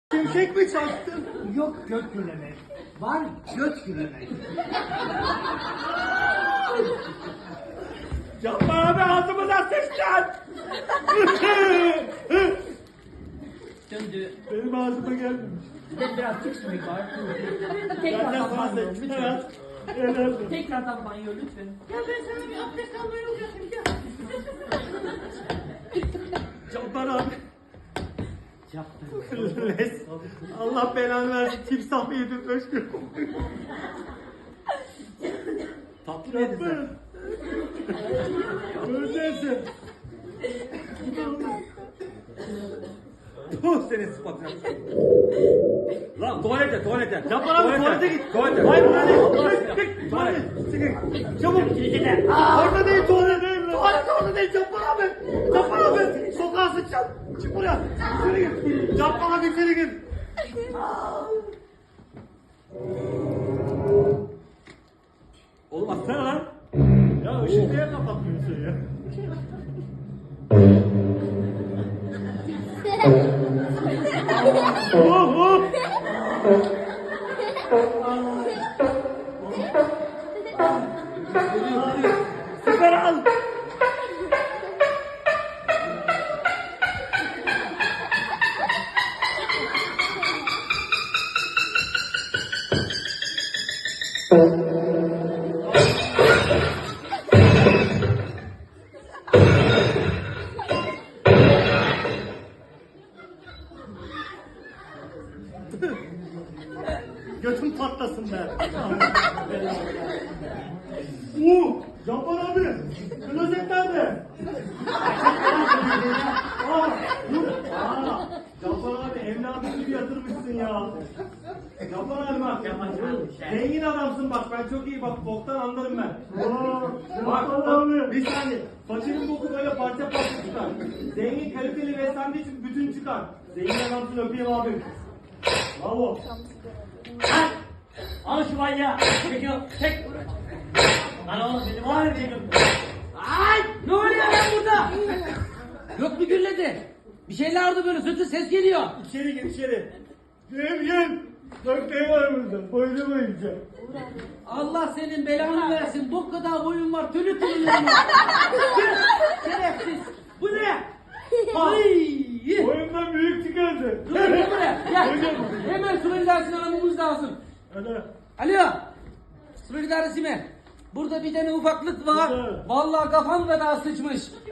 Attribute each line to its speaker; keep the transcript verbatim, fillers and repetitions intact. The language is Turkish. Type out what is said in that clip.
Speaker 1: Şimşek mi çaktın? Yok gök gürlemek. Var göt gürlemek. Yapma abi ağzımıza sıçtın.
Speaker 2: Döndü.
Speaker 1: Benim ağzıma gelmemiş.
Speaker 2: Bir de biraz tiksmek var.
Speaker 1: Zaten
Speaker 2: Tekrardan
Speaker 1: fazla
Speaker 2: banyo
Speaker 1: içme
Speaker 2: lütfen.
Speaker 1: ya. Helal.
Speaker 2: Tekrardan banyo lütfen.
Speaker 3: Ya ben sana bir abdest almayı uğraşayım ya.
Speaker 1: Cabbar abi.
Speaker 2: Yaptım.
Speaker 1: Res. Allah belanı versin. Timsah mı yedin? Özgür.
Speaker 2: Tatlı mı yedin sen?
Speaker 1: Öldürsün.
Speaker 4: Tuh senin sıfatına. Lan tuvalete tuvalete.
Speaker 1: Cabbar abi tuvalete git.
Speaker 4: Tuvalete.
Speaker 1: Hayır burada değil.
Speaker 4: Tuvalete.
Speaker 1: Git,
Speaker 4: Tuvalet.
Speaker 1: Tuvalet. Çabuk. Orada değil tuvalet değil. Tuvalet orada değil. Cabbar abi. Cabbar abi. Sokağa sıçacağım. Çık buraya. İçeri gir. Cabbar abi içeri gir.
Speaker 4: Oğlum atsana lan.
Speaker 1: Ya ışığı niye kapatmıyorsun ya? Oh oh. Süper al. Götüm patlasın be. Uuu! Cabbar abi! Klozet nerede? Aa! Dur! Aa! Cabbar abi evladım gibi yatırmışsın ya. Cabbar abi bak. Zengin adamsın bak ben çok iyi bak boktan anlarım ben. Aa! Bak abi! Bir saniye. Saçının boku böyle parça parça çıkar. Zengin kaliteli beslendiği için bütün çıkar. Zengin adamsın öpeyim abim. Bravo.
Speaker 2: Lan! Al şu manyağı. Çekil. Çek. Lan oğlum benim var ya benim. Ay! Ne oluyor lan burada? Yok mu gürledi? Bir şeyler oldu böyle sütü ses geliyor.
Speaker 1: İçeri gir içeri. Gel gel. Dörtleyi var burada. Boynu boyunca.
Speaker 2: Allah senin belanı versin. Bu kadar boyun var. Tülü tülü var. Şerefsiz. Bu ne? Ay!
Speaker 1: Boyundan büyük çıkardı.
Speaker 2: Dur dur buraya. Gel.
Speaker 1: Hocam.
Speaker 2: Hemen süre idaresini aramamız lazım.
Speaker 1: Hadi.
Speaker 2: Alo. Süre idaresi mi? Burada bir tane ufaklık var.
Speaker 1: Burada.
Speaker 2: Vallahi kafam kadar sıçmış.